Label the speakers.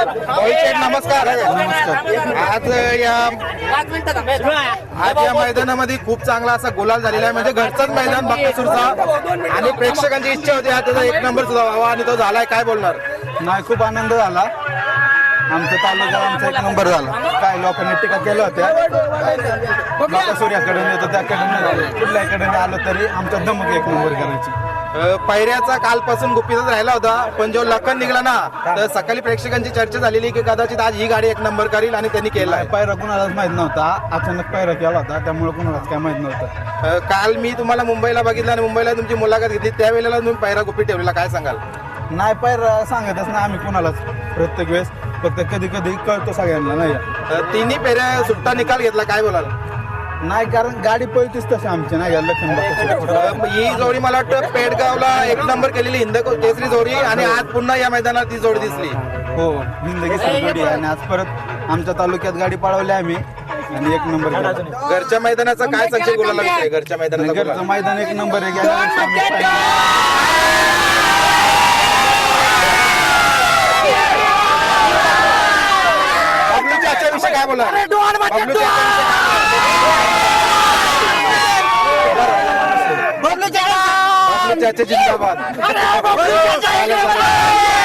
Speaker 1: शेठ नमस्कार. आज या मैदानामध्ये खूप चांगला असा गुलाल झालेला आहे, म्हणजे घरचाच मैदान बकासूरचा आणि प्रेक्षकांची इच्छा होती हा त्याचा एक नंबर सुद्धा व्हावा आणि तो झालाय. काय बोलणार?
Speaker 2: नाही, खूप आनंद झाला. आमच्या तालुक्यात आमचा एक नंबर झाला. काय लोकांनी टीका केल्या होत्या बकासूरकडून येतो त्याकडून कुठल्याकडे आलो तरी आमचा धमक एक नंबर करायची.
Speaker 1: पायऱ्याचा कालपासून गुपितच राहिला होता, पण जो लखन निघाला ना तर सकाळी प्रेक्षकांची चर्चा झालेली की कदाचित आज ही गाडी एक नंबर करील आणि त्यांनी केला.
Speaker 2: पायरा कुणालाच माहित नव्हता, अचानक पायरा केला होता त्यामुळे कुणालाच काय माहित नव्हतं.
Speaker 1: काल मी तुम्हाला मुंबईला बघितलं आणि मुंबईला तुमची मुलाखत घेतली, त्यावेळेला तुम्ही पायरा गुपित ठेवलेला, काय सांगाल?
Speaker 2: नाही, पायरा सांगतच ना आम्ही कुणालाच प्रत्येक वेळेस, फक्त कधी कधी कळतो सगळ्यांना. नाही,
Speaker 1: तिन्ही फेऱ्या सुट्टा निकाल घेतला, काय बोलाल?
Speaker 2: नाही, कारण गाडी पळतीच तशी आमची नाही लखन.
Speaker 1: ही जोडी मला वाटतं पेडगावला एक नंबर केलेली हिंद केसरी जोडी आणि आज पुन्हा या मैदानात ती जोडी दिसली.
Speaker 2: हो, जिंदगी जोडी आहे आणि आज परत आमच्या तालुक्यात गाडी पळवली आम्ही आणि एक नंबर केला.
Speaker 1: घरच्या मैदानाचा काय संचय बोलायला विषय? घरच्या मैदानाचा
Speaker 2: घरचं मैदान एक नंबर आहे.
Speaker 1: बबलूच्या विषय काय बोला? जिंदाबाद.